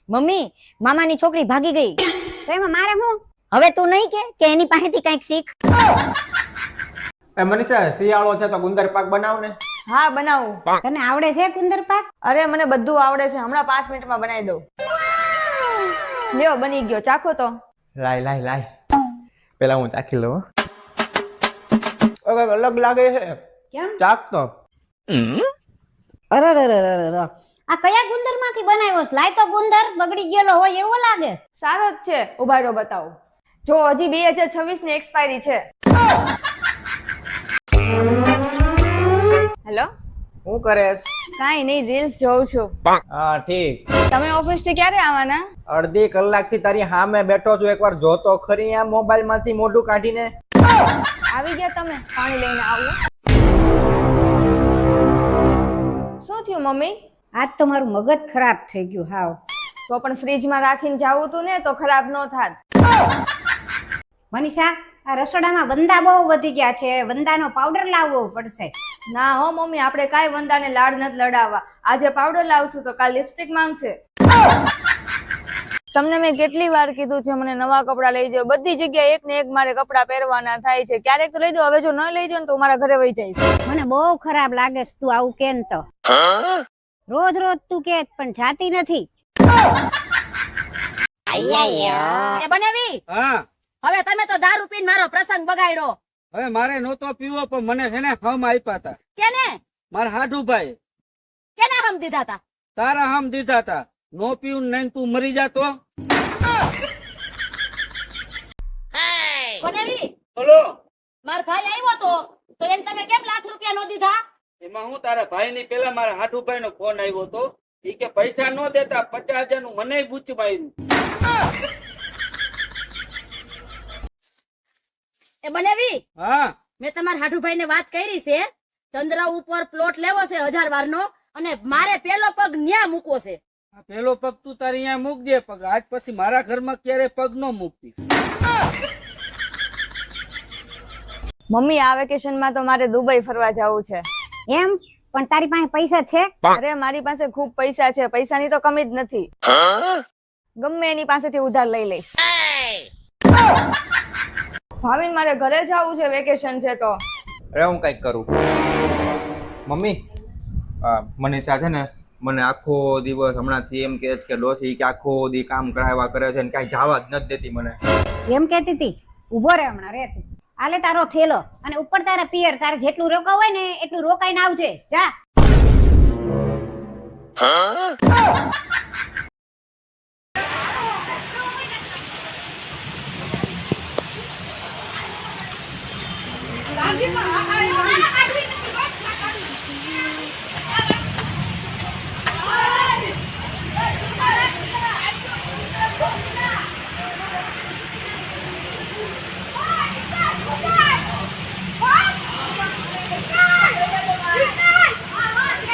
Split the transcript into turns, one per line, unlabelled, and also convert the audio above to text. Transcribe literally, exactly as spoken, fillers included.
Mummy મામાની છોકરી ભાગી ગઈ.
તો એમાં મારે હું?
હવે તું નહીં કે કે એની પાસેથી કંઈક શીખ.
એ મનીષા શિયાળો છે તો ગુંદર પાક બનાવ ને.
હા બનાવું.
તને આવડે છે ગુંદર પાક?
અરે મને બધું આવડે છે, હમણાં પાંચ મિનિટમાં બનાવી દઉં. લ્યો બની ગયો, ચાખો તો.
લાય લાય લાય પેલા હું ચાખી લઉં. ઓકે અલગ લાગે છે.
કેમ?
ચાખ તો.
અરે અરે અરે અરે આ કયા ગુંદર માંથી બનાવ્યો છે? લાય તો ગુંદર બગડી ગયેલો હોય એવો લાગે.
સારો જ છે, ઉભા રહો બતાવું. જો હજી બે હજાર છવ્વીસ ની એક્સપાયરી છે. હેલો,
શું કરે?
કાઈ નહીં, રીલ્સ જોઉં છું.
હા ઠીક.
તમે ઓફિસ થી ક્યારે આવવાના?
અડધી કલાક થી તારી સામે બેઠો છું, એકવાર જોતો ખરી આ મોબાઈલ માંથી મોઢું કાઢીને.
આવી ગયા તમે? પાણી લઈને આવું. શું થયું મમ્મી?
આજ તો મારું મગજ ખરાબ થઈ ગયું હાવ.
તો પણ ફ્રીજમાં રાખીને જાવું તું ને તો ખરાબ ન થાત.
મનીષા આ રસોડામાં વંદા બહુ વધી ગયા છે, વંદાનો પાવડર લાવવો પડશે.
ના હો મમ્મી, આપણે કાંઈ વંદાને લાડ નથી લડાવવા. આજે પાવડર લાવશું તો કાલ લિપસ્ટિક માંગશે. તમને મેં કેટલી વાર કીધું છે મને નવા કપડા લઈ દો. બધી જગ્યાએ એક ને એક મારે કપડા પહેરવાના થાય છે. ક્યારેક તો લઈ દો, હવે જો ન લઈ દો ને તો મારા ઘરે વહી જઈશ.
મને બહુ ખરાબ લાગે છે તું આવું કેમ તો. રોજ રોજ તું કે પણ જાતી નથી.
એ બનેવી
હા
હવે તમે તો દારૂ પીને મારો પ્રસંગ બગાડ્યો.
હવે મારે નહોતો પીવો પણ મને છે ને હમ આપ્યા હતા.
કેને
મારા હાડુભાઈ
કેને હમ દીધા તા?
તારા હમ દીધા હતા. નો પીવું નહીં તું મરી જાતો.
બનેવી
બોલો.
માર ભાઈ આવ્યો તો તો એને તમે કેમ લાખ રૂપિયા નો દીધા?
એમાં હું તારા ભાઈ ની પેલા મારા હાડુભાઈ નો ફોન આવ્યો હતો. ઈ કે પૈસા નો દેતા પચાસ હજાર નું મને ગુચ્છ માર્યું.
એ બનેવી
હા
મેં તમારા હાઠુભાઈ ને વાત કરી છે. ચંદ્ર ઉપર પ્લોટ લેવો છે હજાર વાર નો અને મારે પેલો પગ ન્યા મૂકવો છે.
આ પેલો પગ તું તારી અહીંયા મૂકજે, પગ આજ પછી મારા ઘરમાં ક્યારે પગ નો મૂકતી.
મમ્મી આ વેકેશન માં તો મારે દુબઈ ફરવા જવું છે.
એમ? પણ તારી પાસે પૈસા છે?
અરે મારી પાસે ખૂબ પૈસા છે, પૈસાની તો કમી જ નથી. ગમે એની પાસેથી ઉધાર લઈ લઈશ. ભાવિન મારે ઘરે જવું છે, વેકેશન છે તો.
અરે હું કઈક કરું. મમ્મી મનીષા છે ને મને આખો દિવસ હમણાંથી એમ કે છે કે ડોસી કે આખો દી કામ કરાવ્યા કરે છે ને કાંઈ જવા જ નથી દેતી મને.
એમ કેતી હતી? ઉભો રે હમણાં રે તું. આલે તારો થેલો અને ઉપર તારા પિયર. તારે જેટલું રોકાવ હોય ને એટલું રોકાઈને આવજે. જા.
લાગી પણ